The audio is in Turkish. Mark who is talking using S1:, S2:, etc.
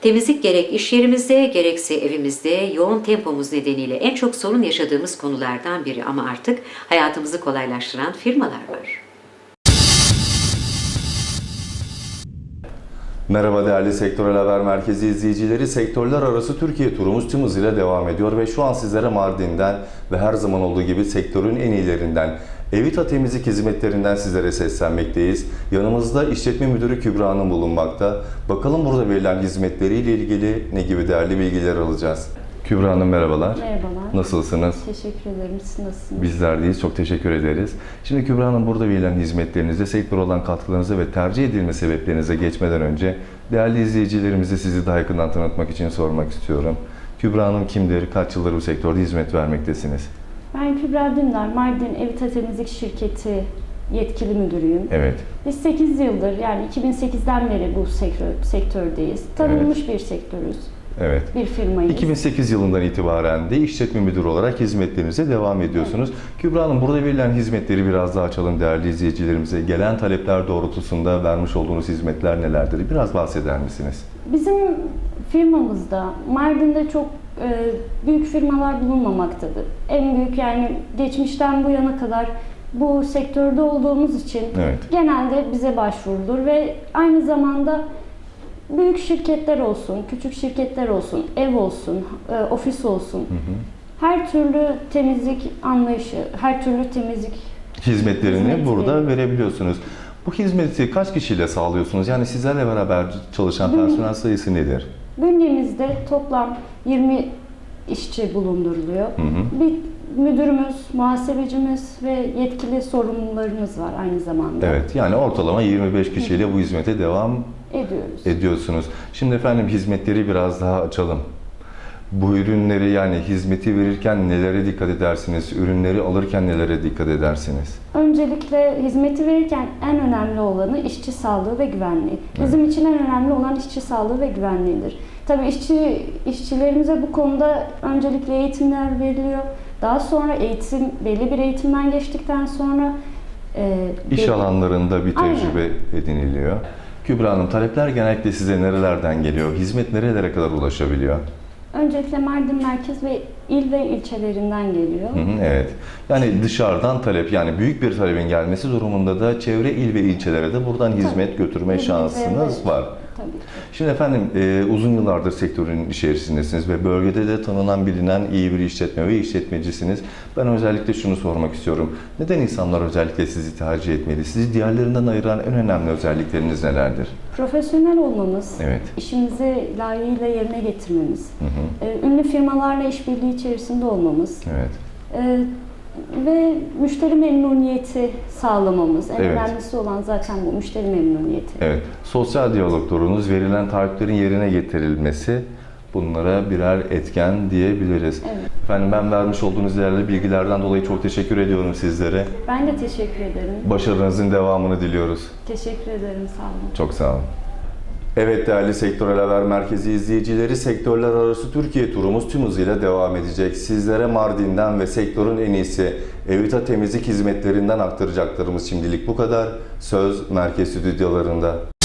S1: Temizlik gerek iş yerimizde gerekse evimizde yoğun tempomuz nedeniyle en çok sorun yaşadığımız konulardan biri ama artık hayatımızı kolaylaştıran firmalar var.
S2: Merhaba değerli Sektörel Haber Merkezi izleyicileri. Sektörler arası Türkiye turumuz tüm hızıyla devam ediyor ve şu an sizlere Mardin'den ve her zaman olduğu gibi sektörün en iyilerinden Evita Temizlik Hizmetlerinden sizlere seslenmekteyiz. Yanımızda işletme müdürü Kübra Hanım bulunmakta. Bakalım burada verilen hizmetleriyle ilgili ne gibi değerli bilgiler alacağız. Kübra Hanım merhabalar.
S3: Merhabalar.
S2: Nasılsınız?
S3: Teşekkür ederim. Siz nasılsınız?
S2: Bizler deyiz. Çok teşekkür ederiz. Şimdi Kübra Hanım burada verilen hizmetlerinizde sektöre olan katkılarınıza ve tercih edilme sebeplerinize geçmeden önce değerli izleyicilerimize sizi daha yakından tanıtmak için sormak istiyorum. Kübra Hanım kimdir? Kaç yıldır bu sektörde hizmet vermektesiniz?
S3: Ben Kübra Dündar, Mardin Evita Temizlik Şirketi yetkili müdürüyüm.
S2: Evet.
S3: Biz 8 yıldır yani 2008'den beri bu sektördeyiz. Tanınmış bir sektörüz.
S2: Evet.
S3: Bir firmayız.
S2: 2008 yılından itibaren de işletme müdürü olarak hizmetlerinize devam ediyorsunuz. Evet. Kübra Hanım burada verilen hizmetleri biraz daha açalım değerli izleyicilerimize. Gelen talepler doğrultusunda vermiş olduğunuz hizmetler nelerdir? Biraz bahseder misiniz?
S3: Bizim firmamızda Mardin'de çok büyük firmalar bulunmamaktadır. En büyük yani geçmişten bu yana kadar bu sektörde olduğumuz için
S2: evet,
S3: genelde bize başvurulur ve aynı zamanda büyük şirketler olsun, küçük şirketler olsun, ev olsun, ofis olsun, her türlü temizlik anlayışı, her türlü temizlik
S2: hizmetlerini burada verebiliyorsunuz. Bu hizmeti kaç kişiyle sağlıyorsunuz? Yani sizlerle beraber çalışan personel sayısı nedir?
S3: Bünyemizde toplam 20 işçi bulunduruluyor. Bir müdürümüz, muhasebecimiz ve yetkili sorumlularımız var aynı zamanda.
S2: Evet, yani ortalama 25 kişiyle bu hizmete devam ediyorsunuz. Şimdi efendim hizmetleri biraz daha açalım. Bu ürünleri yani hizmeti verirken nelere dikkat edersiniz? Ürünleri alırken nelere dikkat edersiniz?
S3: Öncelikle hizmeti verirken en önemli olanı işçi sağlığı ve güvenliği. Bizim için en önemli olan işçi sağlığı ve güvenliğidir. Tabii işçilerimize bu konuda öncelikle eğitimler veriliyor. Daha sonra belli bir eğitimden geçtikten sonra
S2: iş alanlarında bir tecrübe ediniliyor. Kübra Hanım, talepler genellikle size nerelerden geliyor? Hizmet nerelere kadar ulaşabiliyor?
S3: Öncelikle Mardin merkez ve il ve ilçelerinden geliyor.
S2: Evet. Yani dışarıdan talep, yani büyük bir talebin gelmesi durumunda da çevre il ve ilçelere de buradan hizmet götürme şansınız var.
S3: Tabii.
S2: Şimdi efendim uzun yıllardır sektörün içerisindesiniz ve bölgede de tanınan bilinen iyi bir işletme ve işletmecisiniz. Ben özellikle şunu sormak istiyorum. Neden insanlar özellikle sizi tercih etmeli? Sizi diğerlerinden ayıran en önemli özellikleriniz nelerdir?
S3: Profesyonel olmamız,
S2: evet,
S3: işimizi layığıyla yerine getirmemiz, ünlü firmalarla işbirliği içerisinde olmamız,
S2: evet,
S3: ve müşteri memnuniyeti sağlamamız. En
S2: evet,
S3: önemlisi olan zaten bu, müşteri memnuniyeti.
S2: Evet. Sosyal diyaloglarınız, verilen taahhütlerin yerine getirilmesi bunlara birer etken diyebiliriz.
S3: Evet.
S2: Efendim ben vermiş olduğunuz değerli bilgilerden dolayı çok teşekkür ediyorum sizlere.
S3: Ben de teşekkür ederim.
S2: Başarınızın devamını diliyoruz.
S3: Teşekkür ederim, sağ olun.
S2: Çok sağ olun. Evet değerli Sektörel Haber Merkezi izleyicileri, sektörler arası Türkiye turumuz tüm hızıyla devam edecek. Sizlere Mardin'den ve sektörün en iyisi Evita Temizlik Hizmetlerinden aktaracaklarımız şimdilik bu kadar. Söz merkez stüdyolarında.